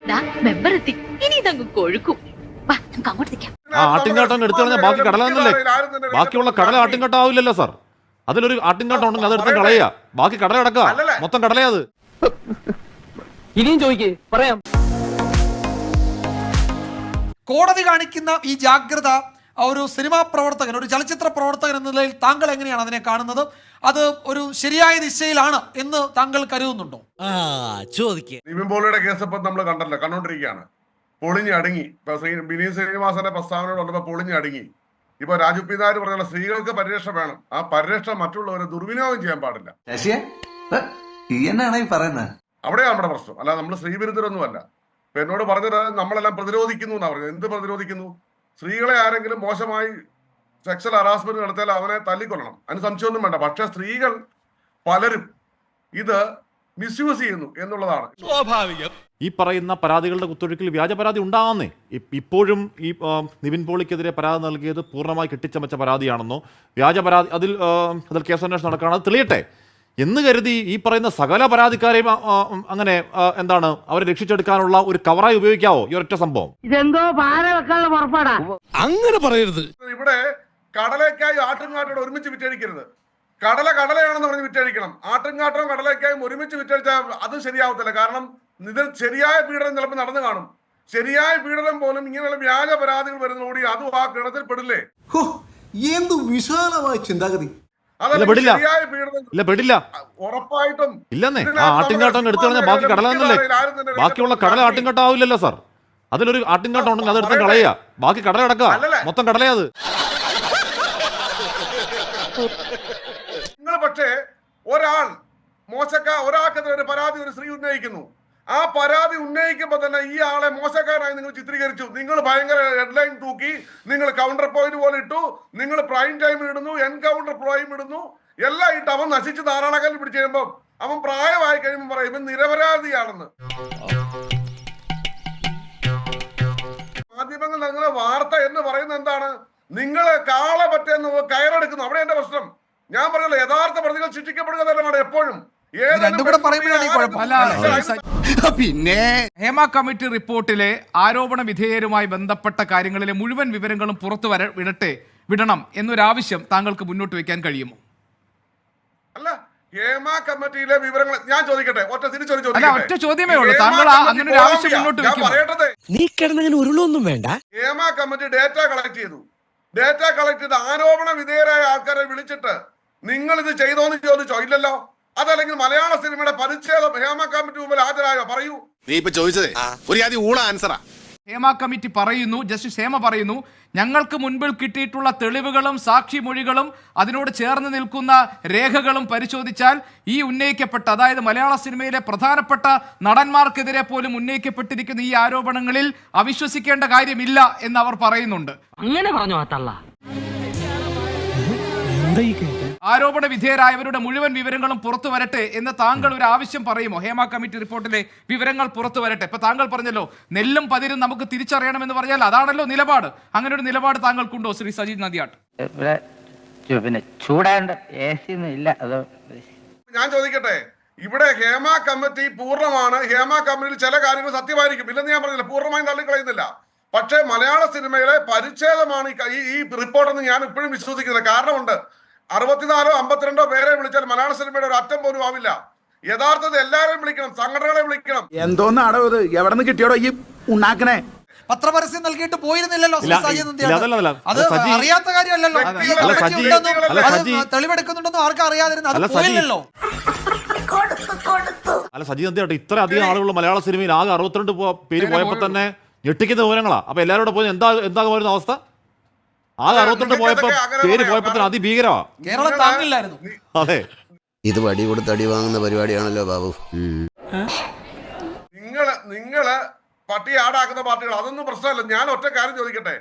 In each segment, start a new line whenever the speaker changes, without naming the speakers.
Member എത്തി, ഇനി ഇതങ്ങ് കൊഴുക്കും. വാ, നമുക്ക് അങ്ങോട്ട് നിൽക്കാം.
ആട്ടിൻകാട്ടം എടുത്തു കളഞ്ഞാൽ ബാക്കി കടലാന്നല്ലേ? ബാക്കിയുള്ള കടല ആട്ടിൻകാട്ടാവില്ലല്ലോ സാർ. അതിലൊരു ആട്ടിൻകാട്ടം ഉണ്ടെങ്കിൽ അതെടുത്ത് കളയുക, ബാക്കി കടല അടക്കുക, മൊത്തം കടലയത്.
ഇനിയും ചോദിക്കേ, പറയാം.
കോടതി കാണിക്കുന്ന ഈ ജാഗ്രത ഒരു സിനിമാ പ്രവർത്തകൻ, ഒരു ചലച്ചിത്ര പ്രവർത്തകൻ എന്ന നിലയിൽ താങ്കൾ എങ്ങനെയാണ് അതിനെ കാണുന്നത്? അത് ഒരു ശരിയായ ദിശയിലാണ് എന്ന് താങ്കൾ കരുതുന്നുണ്ടോ?
നിവിൻ പോളിയുടെ കേസ് ഇപ്പം നമ്മൾ കണ്ടോണ്ടിരിക്കുകയാണ്. പൊളിഞ്ഞ് അടുങ്ങി. ഇപ്പൊ വിനീത് ശ്രീനിവാസന്റെ പ്രസ്താവനയോട് വന്നപ്പോൾ പൊളിഞ്ഞ് അടുങ്ങി. ഇപ്പൊ രാജു പി നായർ പറഞ്ഞ സ്ത്രീകൾക്ക് പരിരക്ഷ വേണം. ആ പരിരക്ഷ മറ്റുള്ളവരെ ദുർവിനിയോഗം ചെയ്യാൻ പാടില്ല. അവിടെയാണ് നമ്മുടെ പ്രശ്നം. അല്ല, നമ്മൾ സ്ത്രീവിരുദ്ധരൊന്നുമല്ല. ഇപ്പൊ എന്നോട് പറഞ്ഞത് നമ്മളെല്ലാം പ്രതിരോധിക്കുന്നു എന്നാ പറഞ്ഞത്. എന്ത് പ്രതിരോധിക്കുന്നു? സ്ത്രീകളെ ആരെങ്കിലും മോശമായി സെക്സ്വൽ ഹറാസ്മെന്റ് നടത്തിയാൽ അവനെ തല്ലിക്കൊല്ലണം, അതിന് സംശയമൊന്നും വേണ്ട. പക്ഷെ സ്ത്രീകൾ പലരും ഇത് മിസ്യൂസ് ചെയ്യുന്നു എന്നുള്ളതാണ്
സ്വാഭാവികം. ഈ പറയുന്ന പരാതികളുടെ കുത്തൊഴുക്കിൽ വ്യാജ പരാതി ഉണ്ടാകുന്നേ. ഇപ്പോഴും ഈ നിവിൻ പോളിക്കെതിരെ പരാതി നൽകിയത് പൂർണ്ണമായി കെട്ടിച്ചമച്ച പരാതിയാണെന്നോ, വ്യാജ പരാതി, അതിൽ കേസന്വേഷണം നടക്കുകയാണ്, അത് തെളിയട്ടെ എന്ന് കരുതി ഈ പറയുന്ന സകല പരാതിക്കാരെയും അങ്ങനെ എന്താണ് അവരെ രക്ഷിച്ചെടുക്കാനുള്ള ഒരു കവറായി ഉപയോഗിക്കാവോ ഈ ഒരൊറ്റ സംഭവം?
ഇതെന്തോ പാര വെക്കാനുള്ള പുറപ്പാടാ.
അങ്ങനെ പറയരുത്.
ഇവിടെ കടലക്കായി ആട്ടുംകാട്ടോട് ഒരുമിച്ച് വിറ്റഴിക്കരുത്. കടലയാണെന്ന് പറഞ്ഞ് വിറ്റഴിക്കണം. ആട്ടുംകാട്ടവും കടലക്കായും ഒരുമിച്ച് വിറ്റഴിച്ചാൽ അത് ശരിയാവത്തില്ല. കാരണം ഇതിൽ ശരിയായ പീഡനം ചിലപ്പോൾ നടന്നു കാണും. ശരിയായ പീഡനം പോലും ഇങ്ങനെയുള്ള വ്യാജ പരാതികൾ വരുന്നതോടി അതും ആ കിണത്തിൽ പെടില്ലേ?
എന്ത് വിശാലമായ ചിന്താഗതി.
ഉറപ്പായിട്ടും
ഇല്ലെന്നേ. ആ ആട്ടിൻകാട്ടം എടുത്തു കഴിഞ്ഞാൽ ബാക്കി കടലാന്നല്ലേ? ബാക്കിയുള്ള കടല ആട്ടിൻകാട്ടാവില്ലല്ലോ സാർ. അതിലൊരു ആട്ടിൻകാട്ടം ഉണ്ടെങ്കിൽ അതെടുത്ത് കളയുക, ബാക്കി കടല അടക്കുക, മൊത്തം കടലയത്.
നിങ്ങൾ പക്ഷേ ഒരാൾക്കെതിരെ ഒരു പരാതി ഒരു സ്ത്രീ ഉന്നയിക്കുന്നു. ആ പരാതി ഉന്നയിക്കുമ്പോൾ തന്നെ ഈ ആളെ മോശക്കാരായി നിങ്ങൾ ചിത്രീകരിച്ചു. നിങ്ങൾ ഭയങ്കര ഹെഡ്ലൈൻ തൂക്കി, നിങ്ങൾ കൗണ്ടർ പോയിന്റ് പോലെ ഇട്ടു, നിങ്ങൾ പ്രൈം ടൈം ഇടുന്നു, എൻകൗണ്ടർ പ്രൈം ഇടുന്നു, എല്ലാം ഇട്ട് അവൻ നശിച്ച് നാരായണക്കല്ല് പിടിച്ച് കഴിയുമ്പോൾ അവൻ പ്രായമായി കഴിയുമ്പോൾ പറയും ഇവൻ നിരപരാധിയാണെന്ന്. മാധ്യമങ്ങൾ നിങ്ങളെ വാർത്ത എന്ന് പറയുന്നത് എന്താണ്? നിങ്ങളെ കാളെ പറ്റെന്ന് കയറെടുക്കുന്നു. അവിടെ എന്റെ പ്രശ്നം. ഞാൻ പറഞ്ഞല്ലോ, യഥാർത്ഥ പ്രതികൾ ശിക്ഷിക്കപ്പെടുക തന്നെയാണ് എപ്പോഴും.
പിന്നെ ഹേമ കമ്മിറ്റി റിപ്പോർട്ടിലെ ആരോപണ വിധേയരുമായി ബന്ധപ്പെട്ട കാര്യങ്ങളിലെ മുഴുവൻ വിവരങ്ങളും പുറത്തു വിടണം എന്നൊരാവശ്യം താങ്കൾക്ക് മുന്നോട്ട് വെക്കാൻ കഴിയുമോ?
അല്ല, ഹേമ കമ്മിറ്റിയിലെ വിവരങ്ങൾ ഞാൻ ചോദിക്കട്ടെ,
ഒറ്റ ചോദ്യമേ ഉള്ളൂ. താങ്കൾ അങ്ങനെ ഒരു ആവശ്യം മുന്നോട്ട്
ഉരുളൊന്നും വേണ്ട.
ഹേമ കമ്മിറ്റി ഡേറ്റ കളക്ട് ചെയ്തു. ഡേറ്റ കളക്ട് ചെയ്ത് ആരോപണ വിധേയരായ ആൾക്കാരെ വിളിച്ചിട്ട് നിങ്ങൾ ഇത് ചെയ്തോന്ന് ചോദിച്ചോ? ഇല്ലല്ലോ. അതല്ലെങ്കിൽ മലയാള സിനിമയുടെ പരിച്ഛേദം ഹേമ കമ്മിറ്റി മുമ്പിൽ ഹാജരായോ? പറയൂ.
നീ ഇപ്പൊ ചോദിച്ചതേ ഒരു ആദ്യം ഊള ആൻസറാ.
ഹേമ കമ്മിറ്റി പറയുന്നു, ജസ്റ്റിസ് ഹേമ പറയുന്നു, ഞങ്ങൾക്ക് മുൻപിൽ കിട്ടിയിട്ടുള്ള തെളിവുകളും സാക്ഷിമൊഴികളും അതിനോട് ചേർന്ന് നിൽക്കുന്ന രേഖകളും പരിശോധിച്ചാൽ ഈ ഉന്നയിക്കപ്പെട്ട, അതായത് മലയാള സിനിമയിലെ പ്രധാനപ്പെട്ട നടന്മാർക്കെതിരെ പോലും ഉന്നയിക്കപ്പെട്ടിരിക്കുന്ന ഈ ആരോപണങ്ങളിൽ അവിശ്വസിക്കേണ്ട കാര്യമില്ല എന്ന് അവർ പറയുന്നുണ്ട്.
അങ്ങനെ പറഞ്ഞു തള്ള.
ആരോപണ വിധേയരായവരുടെ മുഴുവൻ വിവരങ്ങളും പുറത്തു വരട്ടെ എന്ന് താങ്കൾ ഒരു ആവശ്യം പറയുമോ? ഹേമ കമ്മിറ്റി റിപ്പോർട്ടിലെ വിവരങ്ങൾ പുറത്തു വരട്ടെ. ഇപ്പൊ താങ്കൾ പറഞ്ഞല്ലോ നെല്ലും പതിരും നമുക്ക് തിരിച്ചറിയണമെന്ന് പറഞ്ഞാൽ അതാണല്ലോ നിലപാട്. അങ്ങനെ ഒരു നിലപാട് താങ്കൾക്കുണ്ടോ ശ്രീ സജീദ് നദിയാട്ട്?
പിന്നെ ചൂടാണ്ട് ഇല്ല.
ഞാൻ ചോദിക്കട്ടെ, ഇവിടെ ഹേമ കമ്മിറ്റി പൂർണ്ണമാണ്. ഹേമ കമ്മിറ്റിയിൽ ചില കാര്യങ്ങൾ സത്യമായിരിക്കും, ഇല്ലെന്ന് ഞാൻ പറഞ്ഞില്ല, പൂർണ്ണമായും തള്ളിക്കളയുന്നില്ല. പക്ഷേ മലയാള സിനിമയിലെ പരിച്ഛേദമാണ് ഈ റിപ്പോർട്ടെന്ന് ഞാൻ ഇപ്പോഴും വിശ്വസിക്കുന്നത്. കാരണമുണ്ട്. 64 52 പേരെ വിളിച്ചാൽ മലയാള സിനിമയുടെ ഒരു അറ്റം പോലും ആവില്ല. യഥാർത്ഥത്തിൽ എല്ലാവരെയും വിളിക്കണം, സംഘടനകളെ വിളിക്കണം.
എന്തോന്നാടോ ഇത്? എവിടെ നിന്ന് കിട്ടിയോടോ ഈ ഉണ്ടാക്കണേ?
പത്രപരസ്യം നൽകിയിട്ട് പോയിരുന്നില്ലല്ലോ. അത് അറിയാത്ത കാര്യമല്ലല്ലോ. തെളിവെടുക്കുന്നുണ്ടെന്ന് ആർക്കും അറിയാതിരുന്നു, അത് പോയില്ലല്ലോ.
അല്ല സജീദ് നദിയാട്ടെ, ഇത്ര അധികം ആളുകൾ മലയാള സിനിമയിൽ ആകെ 62 പേര് പോയപ്പോൾ തന്നെ ഞെട്ടിക്കുന്ന വിവരങ്ങളാ. അപ്പൊ എല്ലാവരും പോയി എന്താകുമായിരുന്ന അവസ്ഥ? ആകെ 62 പേര് പോയപ്പോ തന്നെ അതിഭീകരമാ.
കേരളം താങ്ങില്ലായിരുന്നു.
അതെ,
ഇത് വടി കൊടുത്ത് അടി വാങ്ങുന്ന പരിപാടിയാണല്ലോ ബാബു.
നിങ്ങള് പട്ടി ആടാക്കുന്ന പാർട്ടികൾ, അതൊന്നും പ്രശ്നമല്ല. ഞാൻ ഒറ്റ കാര്യം ചോദിക്കട്ടെ,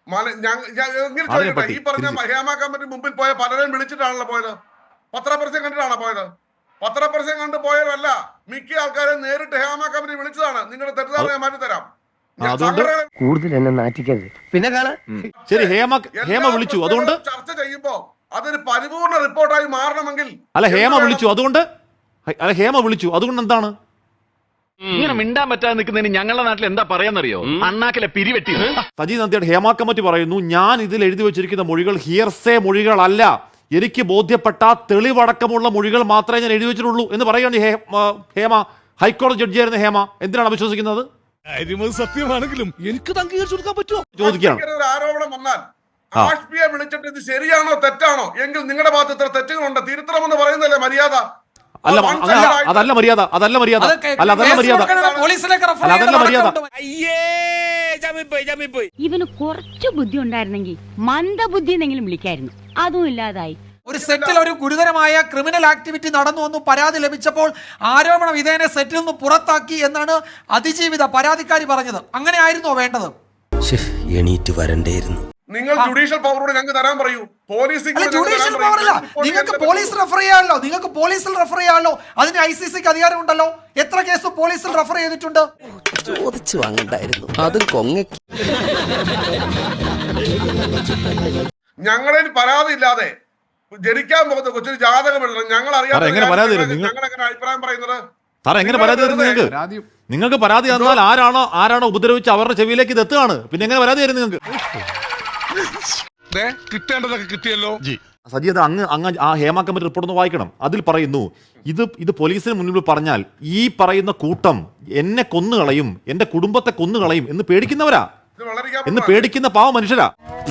ഈ പറഞ്ഞ ഹേമ കമ്മിറ്റി മുമ്പിൽ പോയ പലരെയും വിളിച്ചിട്ടാണല്ലോ പോയത്. പത്രപരസ്യം കണ്ടിട്ടാണോ പോയത്? പത്രപരസ്യം കണ്ട് പോയതല്ല. മിക്ക ആൾക്കാരെ നേരിട്ട് ഹേമ കമ്മിറ്റി വിളിച്ചതാണ്. നിങ്ങളുടെ തെറ്റിദ്ധാരണ മാറ്റി തരാം.
കൂടുതൽ എന്നെ നാറ്റിക്കരുത്. പിന്നെ
ശരി, ഹേമ വിളിച്ചു, അതുകൊണ്ട്
ചർച്ച ചെയ്യുമ്പോ അതൊരു പരിപൂർണ റിപ്പോർട്ടായി മാറണമെങ്കിൽ
ഹേമ വിളിച്ചു അതുകൊണ്ട് എന്താണ്?
ഇങ്ങനെ മിണ്ടാൻ പറ്റാതെ നിൽക്കുന്നതിന് ഞങ്ങളുടെ നാട്ടിൽ എന്താ പറയാന്നറിയോ? അണ്ണാക്കിലെ പിരിവെട്ടി.
സജി നന്ദിയുടെ ഹേമ കമ്മിറ്റി പറയുന്നു, ഞാൻ ഇതിൽ എഴുതി വെച്ചിരിക്കുന്ന മൊഴികൾ ഹിയർസേ മൊഴികളല്ല, എനിക്ക് ബോധ്യപ്പെട്ട തെളിവടക്കമുള്ള മൊഴികൾ മാത്രമേ ഞാൻ എഴുതി വെച്ചിട്ടുള്ളൂ എന്ന് പറയുകയാണ് ഹേമ. ഹൈക്കോടതി ജഡ്ജിയായിരുന്ന ഹേമ എന്തിനാണ് വിശ്വസിക്കുന്നത്?
സത്യമാണെങ്കിലും എനിക്ക് അംഗീകരിച്ചു കൊടുക്കാൻ പറ്റുമോ?
ചോദിക്കുകയാണ്.
ഒരു ആരോപണം വന്നാൽ ആഷ്പിയെ വിളിച്ചിട്ട് ഇത് ശരിയാണോ തെറ്റാണോ എങ്കിൽ നിങ്ങളുടെ ഭാഗത്ത് ഇത്ര തെറ്റുകളുണ്ട്, തിരുത്തണമെന്ന് പറയുന്നല്ലേ മര്യാദ?
അല്ല, അതല്ല മര്യാദ, അതല്ല മര്യാദ, അല്ല അതല്ല മര്യാദ, അതല്ല മര്യാദ.
ഇവന് കുറച്ചു ബുദ്ധി ഉണ്ടായിരുന്നെങ്കിൽ മന്ദബുദ്ധി എന്നെങ്കിലും വിളിക്കായിരുന്നു, അതും ഇല്ലാതായി.
ഒരു സെറ്റിൽ ഒരു ഗുരുതരമായ ക്രിമിനൽ ആക്ടിവിറ്റി നടന്നു എന്ന് പരാതി ലഭിച്ചപ്പോൾ ആരോപണ വിധേയനെ സെറ്റിൽ നിന്ന് പുറത്താക്കി എന്നാണ് അതിജീവിത പരാതിക്കാരി പറഞ്ഞത്. അങ്ങനെ ആയിരുന്നോ വേണ്ടത്?
എണീറ്റ് വരണ്ടേയിരുന്നു.
നിങ്ങൾ ജുഡീഷ്യൽ പവറോട് ഞങ്ങൾക്ക് തരാൻ പറയൂ.
ജുഡീഷ്യൽ പവറില്ല, നിങ്ങൾക്ക് പോലീസ് റെഫർ ചെയ്യാമല്ലോ, നിങ്ങൾക്ക് പോലീസിൽ റെഫർ ചെയ്യാമല്ലോ, അതിന് ICCക്ക് അധികാരമുണ്ടല്ലോ. എത്ര കേസ് പോലീസിൽ റെഫർ ചെയ്തിട്ടുണ്ട്?
ചോദിച്ചു വാങ്ങണ്ടായിരുന്നു, അതും കൊങ്ങ.
ഞങ്ങളിൽ പരാതി ഇല്ലാതെ ജനിക്കാൻ പോകുന്ന കൊച്ചിന് ജാതകം എഴുതണം. ഞങ്ങൾ അറിയാം.
എങ്ങനെ പരാതി തരും?
ഞങ്ങൾ എങ്ങനെ അഭിപ്രായം പറയുന്നത്?
സാറേ എങ്ങനെ പരാതി തരും നിങ്ങൾക്ക്? നിങ്ങൾക്ക് പരാതി തന്നാൽ ആരാണോ ഉപദ്രവിച്ച് അവരുടെ ചെവിയിലേക്ക് ഇത് എത്തുകയാണ്. പിന്നെ എങ്ങനെ പരാതി തരും നിങ്ങൾക്ക്?
കിട്ടേണ്ടതൊക്കെ കിട്ടിയല്ലോ.
സജി, അത് അങ്ങ് ആ ഹേമ കമ്മിറ്റി റിപ്പോർട്ട് ഒന്ന് വായിക്കണം. അതിൽ പറയുന്നു, ഇത് പോലീസിന് മുന്നിൽ പറഞ്ഞാൽ ഈ പറയുന്ന കൂട്ടം എന്നെ കൊന്നുകളയും, എന്റെ കുടുംബത്തെ കൊന്നുകളയും എന്ന് പേടിക്കുന്നവരാ, എന്ന് പേടിക്കുന്ന പാവ മനുഷ്യരാ.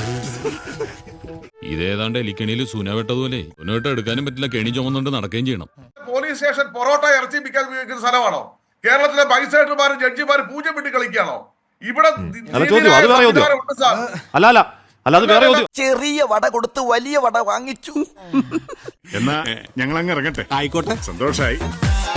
ഇതേതാണ്ട് എലിക്കണിയിൽ സൂനവെട്ടതുപോലെ സൂനവെട്ട എടുക്കാനും പറ്റില്ല, കെണി ചുമന്നുകൊണ്ട് നടക്കുകയും ചെയ്യണം.
പോലീസ് സ്റ്റേഷൻ പൊറോട്ട ഇറച്ചി വിൽക്കാൻ ഉപയോഗിക്കുന്ന സ്ഥലമാണോ? കേരളത്തിലെ മജിസ്ട്രേറ്റുമാരും ജഡ്ജിമാരും പൂജ്യം വിട്ട് കളിക്കുകയാണോ? ഇവിടെ
അത് വേറെ
ചെറിയ വട കൊടുത്ത് വലിയ വട വാങ്ങിച്ചു.
എന്നാ ഞങ്ങൾ അങ്ങ് ഇറങ്ങട്ടെ. ആയിക്കോട്ടെ, സന്തോഷായി.